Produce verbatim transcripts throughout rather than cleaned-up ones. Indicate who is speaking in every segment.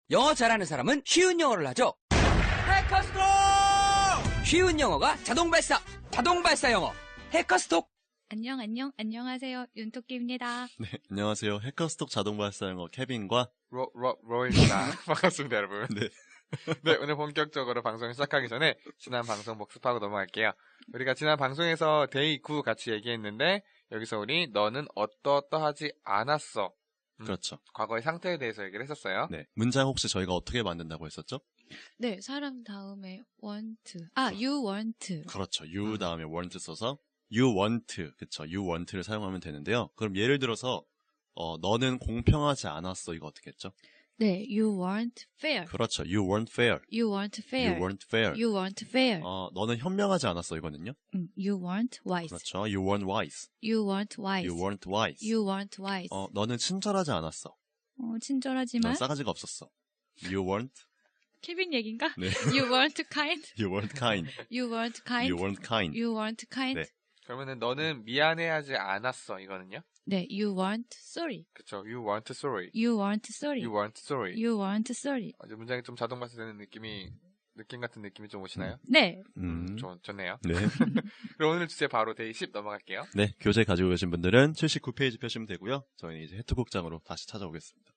Speaker 1: 영어 잘하는 사람은 쉬운 영어를 하죠. 해커스톡! 쉬운 영어가 자동 발사, 자동 발사 영어. 해커스톡!
Speaker 2: 안녕, 안녕, 안녕하세요. 윤토끼입니다.
Speaker 3: 네, 안녕하세요. 해커스톡 자동 발사 영어 케빈과
Speaker 4: 로, 로, 로입니다. 반갑습니다, 여러분.
Speaker 3: 네.
Speaker 4: 네, 오늘 본격적으로 방송을 시작하기 전에 지난 방송 복습하고 넘어갈게요. 우리가 지난 방송에서 데이 구 같이 얘기했는데 여기서 우리 너는 어떠어떠하지 않았어. 음,
Speaker 3: 그렇죠.
Speaker 4: 과거의 상태에 대해서 얘기를 했었어요.
Speaker 3: 네, 문장 혹시 저희가 어떻게 만든다고 했었죠?
Speaker 2: 네, 사람 다음에 want. 아, you want.
Speaker 3: 그렇죠. you 다음에 want 써서 you want, 그쵸. you want를 사용하면 되는데요. 그럼 예를 들어서 어, 너는 공평하지 않았어. 이거 어떻게 했죠?
Speaker 2: 네, you weren't fair.
Speaker 3: 그렇죠. you weren't fair.
Speaker 2: You weren't fair.
Speaker 3: you weren't fair.
Speaker 2: You weren't fair.
Speaker 3: 어, 너는 현명하지 않았어. 이거는요.
Speaker 2: 음, you weren't wise.
Speaker 3: 그렇죠. you weren't wise.
Speaker 2: You weren't wise.
Speaker 3: you weren't wise.
Speaker 2: You weren't wise.
Speaker 3: 어, 너는 친절하지 않았어.
Speaker 2: 어, 친절하지만.
Speaker 3: 넌 싸가지가 없었어. you weren't.
Speaker 2: 케빈 얘긴가?
Speaker 3: 네.
Speaker 2: You weren't kind.
Speaker 3: you weren't kind.
Speaker 2: You weren't kind.
Speaker 3: you weren't kind.
Speaker 2: You weren't kind.
Speaker 3: 네.
Speaker 4: 그러면은 너는 미안해하지 않았어. 이거는요.
Speaker 2: 네, you weren't sorry.
Speaker 4: 그쵸. You weren't sorry.
Speaker 2: You weren't sorry.
Speaker 4: You weren't sorry.
Speaker 2: You weren't sorry.
Speaker 4: 어, 이제 문장이 좀 자동 발사되는 느낌이, 느낌 같은 느낌이 좀 오시나요?
Speaker 2: 네.
Speaker 3: 음.
Speaker 4: 좋, 좋네요.
Speaker 3: 네.
Speaker 4: 그럼 오늘 주제 바로 데이 십 넘어갈게요.
Speaker 3: 네, 교재 가지고 계신 분들은 칠십구 페이지 펴시면 되고요. 저희는 이제 해투극장으로 다시 찾아오겠습니다.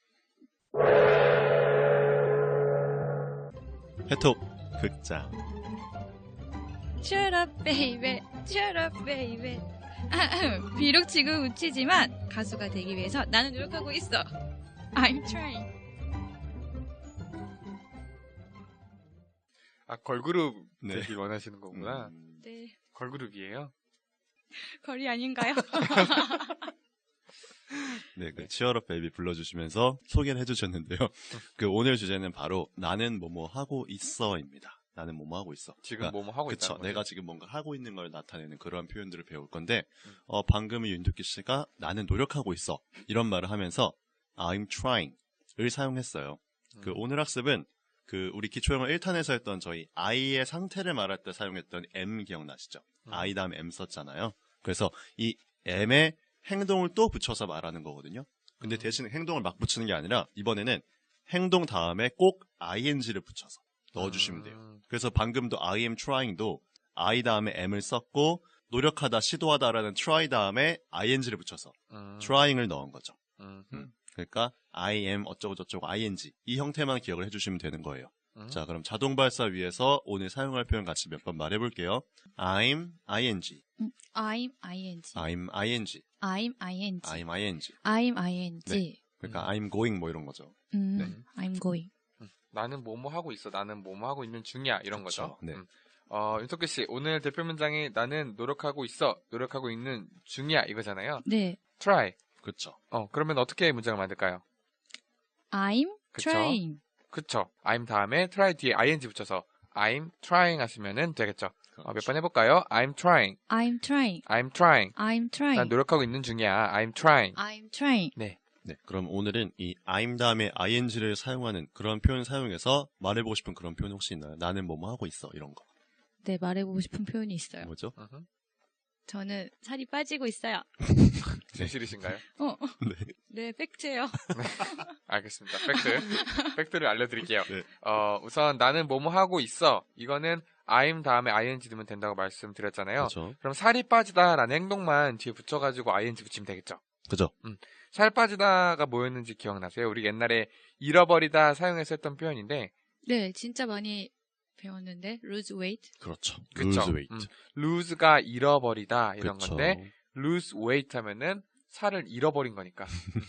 Speaker 3: 해톡 극장.
Speaker 2: Shut up, baby. Shut up, baby. 비록 지금 우치지만 가수가 되기 위해서 나는 노력하고 있어. I'm trying.
Speaker 4: 아, 걸그룹
Speaker 3: 네.
Speaker 4: 되길 원하시는 거구나.
Speaker 3: 음,
Speaker 2: 네.
Speaker 4: 걸그룹이에요?
Speaker 2: 거리 아닌가요?
Speaker 3: 네, 그 치얼업 베이비 불러주시면서 소개를 해주셨는데요. 그 오늘 주제는 바로 나는 뭐뭐 하고 있어입니다. 나는 뭐뭐 하고 있어.
Speaker 4: 지금
Speaker 3: 그러니까
Speaker 4: 뭐뭐 하고
Speaker 3: 그쵸.
Speaker 4: 있다는 거죠?
Speaker 3: 내가 지금 뭔가 하고 있는 걸 나타내는 그러한 표현들을 배울 건데,
Speaker 4: 음.
Speaker 3: 어, 방금 윤두기 씨가 나는 노력하고 있어. 이런 말을 하면서 I'm trying을 사용했어요.
Speaker 4: 음.
Speaker 3: 그 오늘 학습은 그 우리 기초영어 일 탄에서 했던 저희 I의 상태를 말할 때 사용했던 M 기억나시죠?
Speaker 4: 음.
Speaker 3: I 다음에 M 썼잖아요. 그래서 이 M에 행동을 또 붙여서 말하는 거거든요. 근데
Speaker 4: 음.
Speaker 3: 대신 행동을 막 붙이는 게 아니라 이번에는 행동 다음에 꼭 ing를 붙여서 넣어주시면 돼요.
Speaker 4: 음.
Speaker 3: 그래서 방금도 I am trying도 I 다음에 M을 썼고 노력하다, 시도하다라는 try 다음에 ing를 붙여서
Speaker 4: 음.
Speaker 3: trying을 넣은 거죠.
Speaker 4: 음.
Speaker 3: 음. 그러니까 I am 어쩌고저쩌고 ing 이 형태만 기억을 해주시면 되는 거예요.
Speaker 4: 음.
Speaker 3: 자, 그럼 자동 발사 위해서 오늘 사용할 표현 같이 몇 번 말해볼게요. I'm ing,
Speaker 2: I'm ing.
Speaker 3: I'm ing,
Speaker 2: I'm ing.
Speaker 3: I'm ing.
Speaker 2: I'm ing.
Speaker 3: 네. 그러니까 I'm going 뭐 이런 거죠.
Speaker 2: 음,
Speaker 3: 네.
Speaker 2: I'm going.
Speaker 4: 나는 뭐뭐 하고 있어. 나는 뭐뭐 하고 있는 중이야. 이런
Speaker 3: 그쵸,
Speaker 4: 거죠.
Speaker 3: 네.
Speaker 4: 음. 어, 윤석기 씨, 오늘 대표 문장이 나는 노력하고 있어. 노력하고 있는 중이야. 이거잖아요.
Speaker 2: 네.
Speaker 4: try.
Speaker 3: 그렇죠.
Speaker 4: 어, 그러면 어떻게 문장을 만들까요?
Speaker 2: I'm
Speaker 4: 그쵸?
Speaker 2: trying.
Speaker 4: 그쵸. I'm 다음에 try 뒤에 ing 붙여서 I'm trying 하시면은 되겠죠. 어, 몇 번 해볼까요? I'm trying.
Speaker 2: I'm trying.
Speaker 4: I'm trying.
Speaker 2: I'm trying.
Speaker 4: 난 노력하고 있는 중이야. I'm trying.
Speaker 2: I'm trying.
Speaker 4: 네.
Speaker 3: 네, 그럼 오늘은 이 I'm 다음에 ing를 사용하는 그런 표현 사용해서 말해보고 싶은 그런 표현 혹시 있나요? 나는 뭐뭐 하고 있어 이런 거.
Speaker 2: 네, 말해보고 싶은 표현이 있어요.
Speaker 3: 뭐죠?
Speaker 4: 으흠.
Speaker 2: 저는 살이 빠지고 있어요.
Speaker 4: 진실이신가요?
Speaker 2: 어,
Speaker 3: 네.
Speaker 2: 네, 팩트예요.
Speaker 4: 알겠습니다. 팩트. 팩트를 알려드릴게요.
Speaker 3: 네.
Speaker 4: 어, 우선 나는 뭐뭐 하고 있어. 이거는 I'm 다음에 ing 넣으면 된다고 말씀드렸잖아요.
Speaker 3: 그렇죠.
Speaker 4: 그럼 살이 빠지다라는 행동만 뒤에 붙여가지고 ing 붙이면 되겠죠.
Speaker 3: 그죠?
Speaker 4: 살 빠지다가 뭐였는지 기억나세요? 우리 옛날에 잃어버리다 사용해서 했던 표현인데
Speaker 2: 네, 진짜 많이 배웠는데 lose weight.
Speaker 3: 그렇죠.
Speaker 4: 그쵸?
Speaker 3: lose weight.
Speaker 4: 음, lose가 잃어버리다 이런
Speaker 3: 그쵸.
Speaker 4: 건데 lose weight 하면은 살을 잃어버린 거니까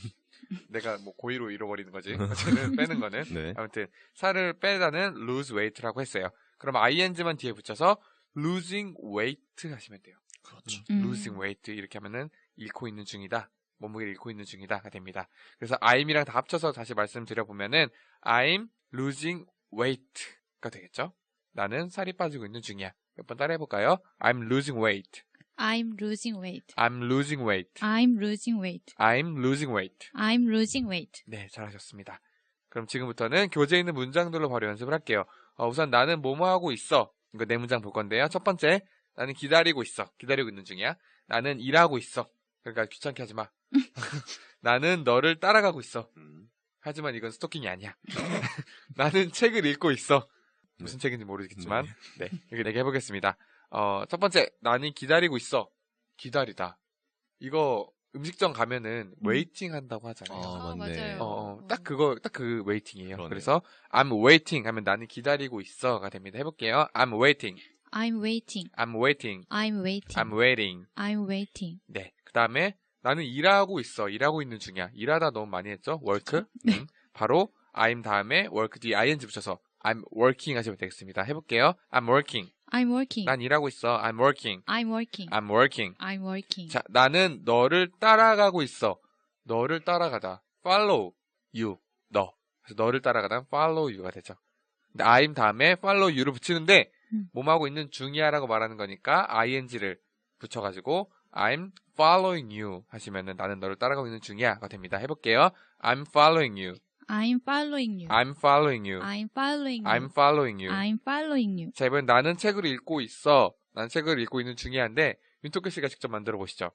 Speaker 4: 내가 뭐 고의로 잃어버리는 거지 어쨌든 빼는 거는
Speaker 3: 네.
Speaker 4: 아무튼 살을 빼다는 lose weight라고 했어요. 그럼 ing만 뒤에 붙여서 losing weight 하시면 돼요.
Speaker 3: 그렇죠.
Speaker 2: 음.
Speaker 4: losing weight 이렇게 하면은 잃고 있는 중이다. 몸무게를 잃고 있는 중이다가 됩니다. 그래서 I'm이랑 다 합쳐서 다시 말씀드려보면은 I'm losing weight가 되겠죠. 나는 살이 빠지고 있는 중이야. 몇 번 따라해볼까요? I'm losing weight.
Speaker 2: I'm losing weight.
Speaker 4: I'm losing weight.
Speaker 2: I'm losing weight.
Speaker 4: I'm losing weight.
Speaker 2: I'm losing weight.
Speaker 4: 네, 잘하셨습니다. 그럼 지금부터는 교재에 있는 문장들로 바로 연습을 할게요. 어, 우선 나는 뭐뭐 하고 있어. 이거 네 문장 볼 건데요. 첫 번째, 나는 기다리고 있어. 기다리고 있는 중이야. 나는 일하고 있어. 그러니까 귀찮게 하지 마. 나는 너를 따라가고 있어.
Speaker 3: 음.
Speaker 4: 하지만 이건 스토킹이 아니야. 나는 책을 읽고 있어. 무슨 책인지 모르겠지만, 네. 이렇게 내게 해보겠습니다. 어, 첫 번째, 나는 기다리고 있어. 기다리다. 이거 음식점 가면은 웨이팅 한다고 하잖아요.
Speaker 3: 아,
Speaker 2: 아,
Speaker 3: 맞네.
Speaker 2: 맞아요.
Speaker 4: 어, 어, 딱 그거, 딱 그 웨이팅이에요.
Speaker 3: 그러네요.
Speaker 4: 그래서 I'm waiting 하면 나는 기다리고 있어가 됩니다. 해볼게요. I'm waiting.
Speaker 2: I'm waiting.
Speaker 4: I'm waiting.
Speaker 2: I'm waiting.
Speaker 4: I'm waiting.
Speaker 2: I'm waiting.
Speaker 4: 네. 그 다음에 나는 일하고 있어. 일하고 있는 중이야. 일하다 너무 많이 했죠? work.
Speaker 2: 네.
Speaker 4: 음, 바로 I'm 다음에 work 뒤에 ing 붙여서 I'm working 하시면 되겠습니다. 해볼게요. I'm working.
Speaker 2: I'm working.
Speaker 4: 난 일하고 있어. I'm working.
Speaker 2: I'm working.
Speaker 4: I'm working.
Speaker 2: I'm working.
Speaker 4: 자, 나는 너를 따라가고 있어. 너를 따라가다. follow you. 너. 그래서 너를 따라가다 follow you가 되죠. 근데 I'm 다음에 follow you를 붙이는데
Speaker 2: 음.
Speaker 4: 몸하고 있는 중이야라고 말하는 거니까 ing를 붙여가지고 I'm following you 하시면은 나는 너를 따라가고 있는 중이야가 됩니다. 해볼게요. I'm following you.
Speaker 2: I'm following you.
Speaker 4: I'm following you.
Speaker 2: I'm following you.
Speaker 4: I'm following you.
Speaker 2: I'm following you.
Speaker 4: 자, 이번엔 나는 책을 읽고 있어. 난 책을 읽고 있는 중이야인데 윤토끼 씨가 직접 만들어 보시죠.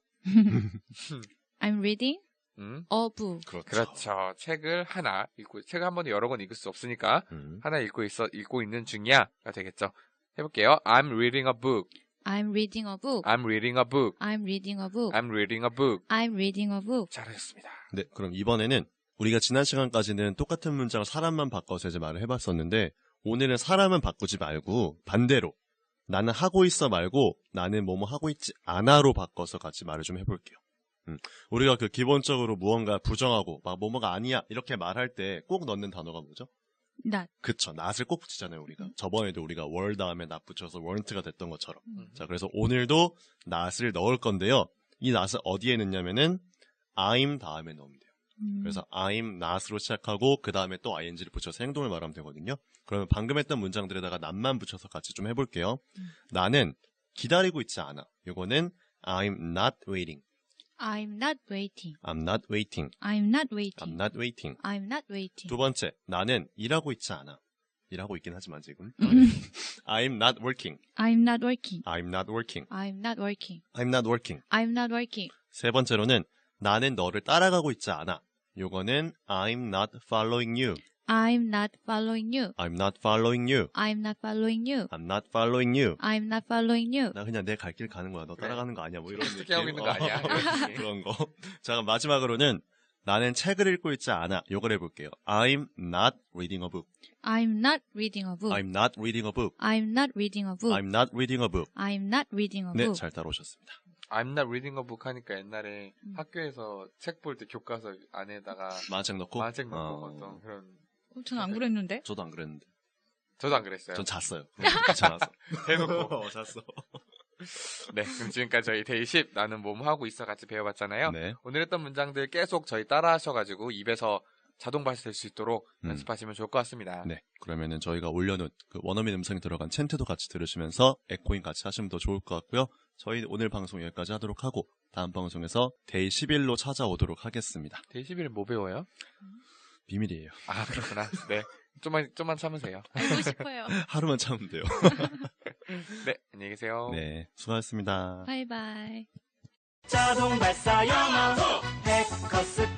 Speaker 2: I'm reading
Speaker 4: 음,
Speaker 2: a book.
Speaker 3: 그렇죠.
Speaker 4: 그렇죠. 책을 하나 읽고 책을 한 번에 여러 권 읽을 수 없으니까
Speaker 3: 음.
Speaker 4: 하나 읽고 있어 읽고 있는 중이야가 되겠죠. 해볼게요. I'm reading a book.
Speaker 2: I'm reading a book.
Speaker 4: I'm reading a book.
Speaker 2: I'm reading a book.
Speaker 4: I'm reading a book.
Speaker 2: I'm reading a book.
Speaker 4: 잘하셨습니다.
Speaker 3: 네, 그럼 이번에는 우리가 지난 시간까지는 똑같은 문장을 사람만 바꿔서 이제 말을 해봤었는데 오늘은 사람은 바꾸지 말고 반대로 나는 하고 있어 말고 나는 뭐뭐 하고 있지 않아로 바꿔서 같이 말을 좀 해볼게요. 음, 우리가 그 기본적으로 무언가 부정하고 막 뭐뭐가 아니야 이렇게 말할 때 꼭 넣는 단어가 뭐죠?
Speaker 2: Not.
Speaker 3: 그쵸, not을 꼭 붙이잖아요 우리가.
Speaker 2: 음.
Speaker 3: 저번에도 우리가 were 다음에 not 붙여서 weren't가 됐던 것처럼.
Speaker 2: 음.
Speaker 3: 자, 그래서 오늘도 not을 넣을 건데요. 이 not을 어디에 넣냐면은 I'm 다음에 넣으면 돼요.
Speaker 2: 음.
Speaker 3: 그래서 I'm not으로 시작하고 그 다음에 또 ing를 붙여서 행동을 말하면 되거든요. 그러면 방금 했던 문장들에다가 not만 붙여서 같이 좀 해볼게요.
Speaker 2: 음.
Speaker 3: 나는 기다리고 있지 않아. 이거는 I'm not waiting.
Speaker 2: I'm not waiting.
Speaker 3: I'm not waiting.
Speaker 2: I'm not
Speaker 3: I'm
Speaker 2: waiting.
Speaker 3: not waiting.
Speaker 2: I'm not waiting.
Speaker 3: 두 번째, 나는 일하고 있지 않아. 일하고 있긴 하지만 지금.
Speaker 2: 음.
Speaker 3: I'm not working.
Speaker 2: I'm not working.
Speaker 3: I'm not working.
Speaker 2: I'm not working.
Speaker 3: I'm not working.
Speaker 2: I'm not working.
Speaker 3: 세 번째로는 나는 너를 따라가고 있지 않아. 요거는 I'm not following you.
Speaker 2: I'm not following you.
Speaker 3: I'm not following you.
Speaker 2: I'm not following you.
Speaker 3: I'm not following you.
Speaker 2: I'm not following you.
Speaker 3: 나 그냥 내 갈 길 가는 거야. 너
Speaker 4: 그래.
Speaker 3: 따라가는 거 아니야. 뭐 이런
Speaker 4: 어떻게
Speaker 3: 느낌.
Speaker 4: 하고 있는 거 아니야.
Speaker 3: 어, 그런 거. 자, 그럼 마지막으로는 나는 책을 읽고 있지 않아. 요걸 해볼게요. I'm not reading a book.
Speaker 2: I'm not reading a book.
Speaker 3: I'm not reading a book.
Speaker 2: I'm not reading a book.
Speaker 3: I'm not reading a book.
Speaker 2: I'm not reading a
Speaker 3: 네,
Speaker 2: book.
Speaker 3: 잘 따라오셨습니다.
Speaker 4: I'm not reading a book 하니까 옛날에
Speaker 2: 음.
Speaker 4: 학교에서 책 볼 때 교과서 안에다가
Speaker 3: 만화책 넣고?
Speaker 4: 만화책 넣고
Speaker 3: 어,
Speaker 4: 어떤 그런
Speaker 2: 어, 전 안 그랬는데.
Speaker 3: 저도 안 그랬는데.
Speaker 4: 저도 안 그랬어요.
Speaker 3: 전 잤어요. 귀찮아서.
Speaker 4: 대놓고.
Speaker 3: 어, 잤어.
Speaker 4: 네, 그럼 지금까지 저희 데이 십 나는 뭐뭐 하고 있어 같이 배워봤잖아요.
Speaker 3: 네.
Speaker 4: 오늘 했던 문장들 계속 저희 따라 하셔가지고 입에서 자동 발사될 수 있도록
Speaker 3: 음.
Speaker 4: 연습하시면 좋을 것 같습니다.
Speaker 3: 네. 그러면은 저희가 올려놓은 그 원어민 음성이 들어간 챈트도 같이 들으시면서 에코잉 같이 하시면 더 좋을 것 같고요. 저희 오늘 방송 여기까지 하도록 하고 다음 방송에서 데이 십일로 찾아오도록 하겠습니다.
Speaker 4: 데이 십일은 뭐 배워요?
Speaker 3: 비밀이에요.
Speaker 4: 아, 그렇구나. 네. 좀만, 좀만 참으세요.
Speaker 2: 알고 싶어요.
Speaker 3: 하루만 참으면 돼요.
Speaker 4: 네, 안녕히 계세요.
Speaker 3: 네. 수고하셨습니다.
Speaker 2: 바이바이.
Speaker 5: 자동 발사 영어 해커스